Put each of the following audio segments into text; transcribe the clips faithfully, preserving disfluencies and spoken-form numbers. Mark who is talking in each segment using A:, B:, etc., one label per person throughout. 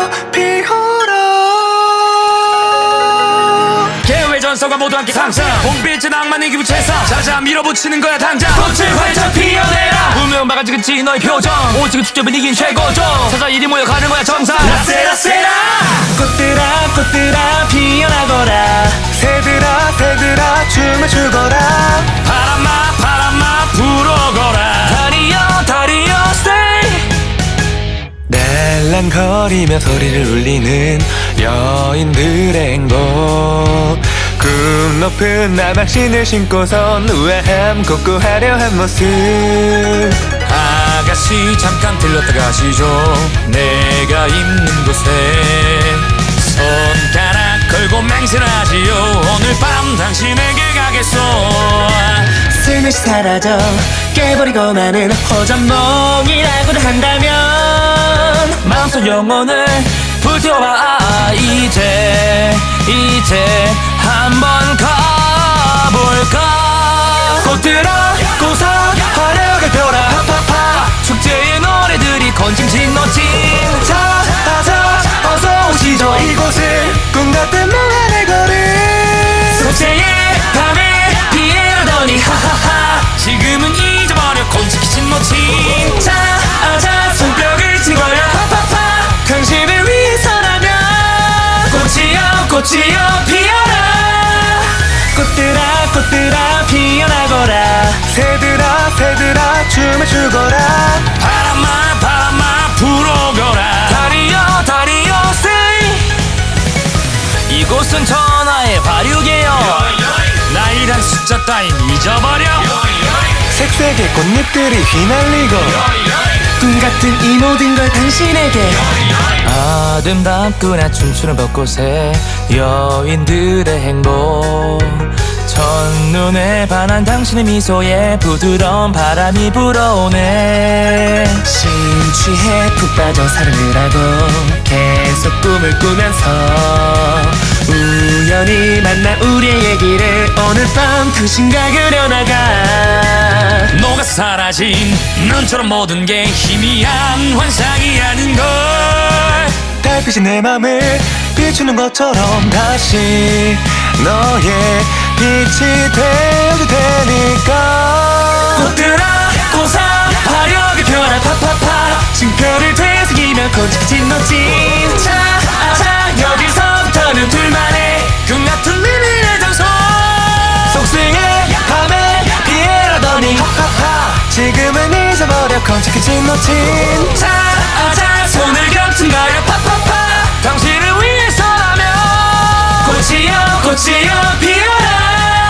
A: 피어라.
B: 계획 전서가 모두 함께 상승 봄빛은 낭만의 기부채사 자자 밀어붙이는 거야 당장 꽃을 활짝 피어내라 운명 막아지겠지 너의 표정 오직은 축제 분위기는 최고죠 찾아 이리 모여가는 거야 정상 라세라세라
A: 꽃들아 꽃들아 피어나거라. 새들아 새들아 춤을 추거라.
B: 바람아 바람아 불어거라 다리여 다리여 stay
A: 날랑거리며 소리를 울리는 여인들의 행복. 꿈 높은 나막신을 신고선 우아함 고꾸하려 한 모습.
B: 아가씨 잠깐 들렀다 가시죠 내가 있는 곳에 손가락 걸고 맹세하지요 오늘 밤 당신에게 가겠소
A: 슬며시 사라져 깨버리고 마는 호전몽이라고도 한다면
B: 마음속 영혼을 불태워봐 이제 이제 한번 가볼까
A: 꽃들아 꽃아 화려하게 펴라 파파파.
B: 축제의 노래들이 건짐진 너진
A: 자 아자 어서 오시죠 이곳은 꿈같은 몽환의 거리.
B: 속세의 밤에 피해라더니 하하하 지금은 잊어버려 곤지키진 너진
A: 자 아자 손뼉을 치는 거야 파파파. 당신을 위해서라면
B: 꽃이여 꽃이여 피어라
A: 꽃들아 꽃들아 피어나거라. 새들아 새들아 춤을 추거라.
B: 바람아 바람아 불어거라 다리여 다리여 stay 이곳은 전하의 화류계요 나이란 숫자 따윈 잊어버려
A: 색색의 꽃잎들이 휘날리고 꿈같은 이 모든 걸 당신에게.
B: 아름답구나 춤추는 벚꽃에 여인들의 행복 첫눈에 반한 당신의 미소에 부드러운 바람이 불어오네
A: 심취해 푹 빠져 사랑을 하고 계속 꿈을 꾸면서 우연히 만난 우리의 얘기를 오늘 밤 당신과 그려나가.
B: 녹아 사라진 눈처럼 모든 게 희미한 환상이라는 걸
A: 달빛이 내 맘을 비추는 것처럼 다시 너의 빛이 되어도 되니까.
B: 꽃들아 꽃아 화려하게 펴라 파파파
A: 징표를 되새기면 곤직해진 너진
B: 자 아자 여기서부터는 둘만의 꿈같은 비밀의 장소
A: 속승의 밤에 피해라더니 하하하 지금은 잊어버려 곤직해진 너진
B: 자 아자 손을 겹친 거야 파파파 당신을 위해서라면 꽃이여 꽃이여 피어라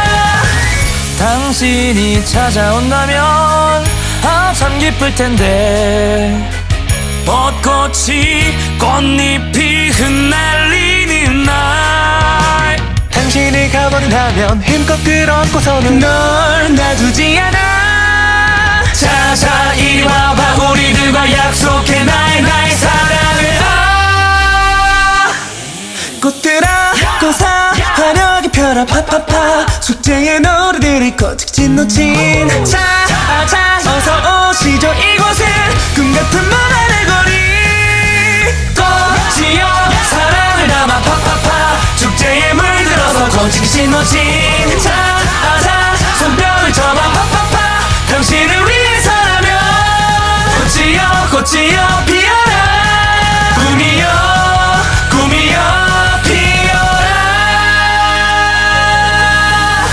B: 당신이 찾아온다면 아참 기쁠 텐데 벚꽃이 꽃잎이 흩날리는 날
A: 당신이 가버린다면 힘껏 끌어안고서는 널 놔두지 않아.
B: 자자 이리 와봐 우리들과 약속해 나의 나의 사랑을 아
A: 꽃들아 꽃아 화려하게 펴라 파파파 축제의 노래들이 거칠진 너진 자 아자 어서 오시죠 이곳은 꿈같은 몽환의 거리.
B: 꽃이여 사랑을 담아 파파파 축제에 물들어서 건지기진 너진 자 아자 손뼉을 쳐봐 파파파 당신을 위해서라면 꽃이여 꽃이여 피어라 꿈이여 꿈이여 피어라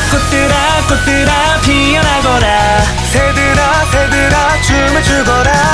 A: 꽃들아 꽃들아 피어나거라. 새들아 새들아 춤을 추거라.